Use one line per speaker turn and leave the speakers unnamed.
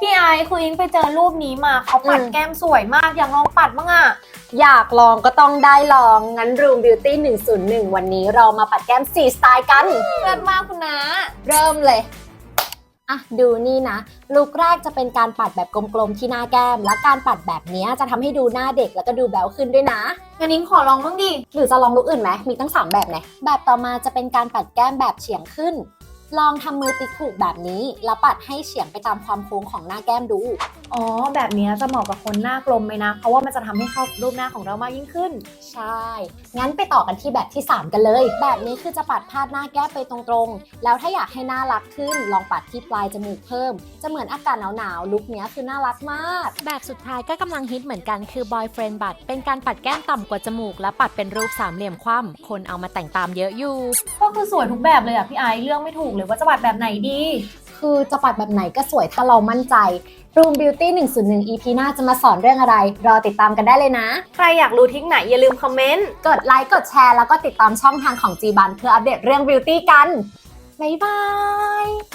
พี่ไอซ์คืออิงไปเจอรูปนี้มาเขาปัดแก้มสวยมากอยากลองปัดบ้างอะ
อยากลองก็ต้องได้ลอง งั้น Room Beauty 101 วันนี้เรามาปัดแก้ม4สไตล์กัน
เลิศมากคุณนะ
เริ่มเลย อ่ะ ดูนี่นะ ลุคแรกจะเป็นการปัดแบบกลมๆที่หน้าแก้ม และการปัดแบบนี้จะทำให้ดูหน้าเด็กแล้วก็ดูแบ๊วขึ้นด้วยนะ
งั้นอิงขอลองบ้างดิ
หรือจะลองลุคอื่นไหม มีตั้ง 3 แบบนะแบบต่อมาจะเป็นการปัดแก้มแบบเฉียงขึ้น ลองทำมือติ๊กถูกแบบนี้ แล้วปัดให้เฉียงไปตามความโค้งของหน้าแก้มดู
อ๋อแบบนี้จะเหมาะกับคนหน้ากลมไหมนะ เพราะว่ามันจะทำให้เข้ากับรูปหน้าของเรามากยิ่งขึ้น
ใช่ งั้นไปต่อกันที่แบบที่ 3 กันเลย แบบนี้คือจะปัดพาดหน้าแก้มไปตรงๆ แล้วถ้าอยากให้หน้ารักขึ้น ลองปัดที่ปลายจมูกเพิ่ม จะเหมือนอากาศหนาวๆ ลุคเนี้ยคือน่ารักมาก
แบบสุดท้ายก็กำลังฮิตเหมือนกันคือ boyfriend บัดเป็นการปัดแก้มต่ำกว่าจมูกและปัดเป็นรูปสามเหลี่ยมคว่ำคนเอามาแต่งตามเยอะอยู่
ก็คือสวยทุกแบบเลยอะพี่ไอซ์เลือกไม่ถูกเลยว่าจะปัดแบบไหนดี
คือจะปัดแบบไหนก็สวยถ้าเรามั่นใจ Room Beauty 101 EP หน้าจะมาสอนเรื่องอะไร รอติดตามกันได้เลยนะ
ใครอยากรู้ทริคไหนอย่าลืมคอมเมนต์
กดไลค์ กดแชร์ แล้วก็ติดตามช่องทางของ G-Ban เพื่ออัปเดตเรื่อง Beauty กัน บ๊ายบาย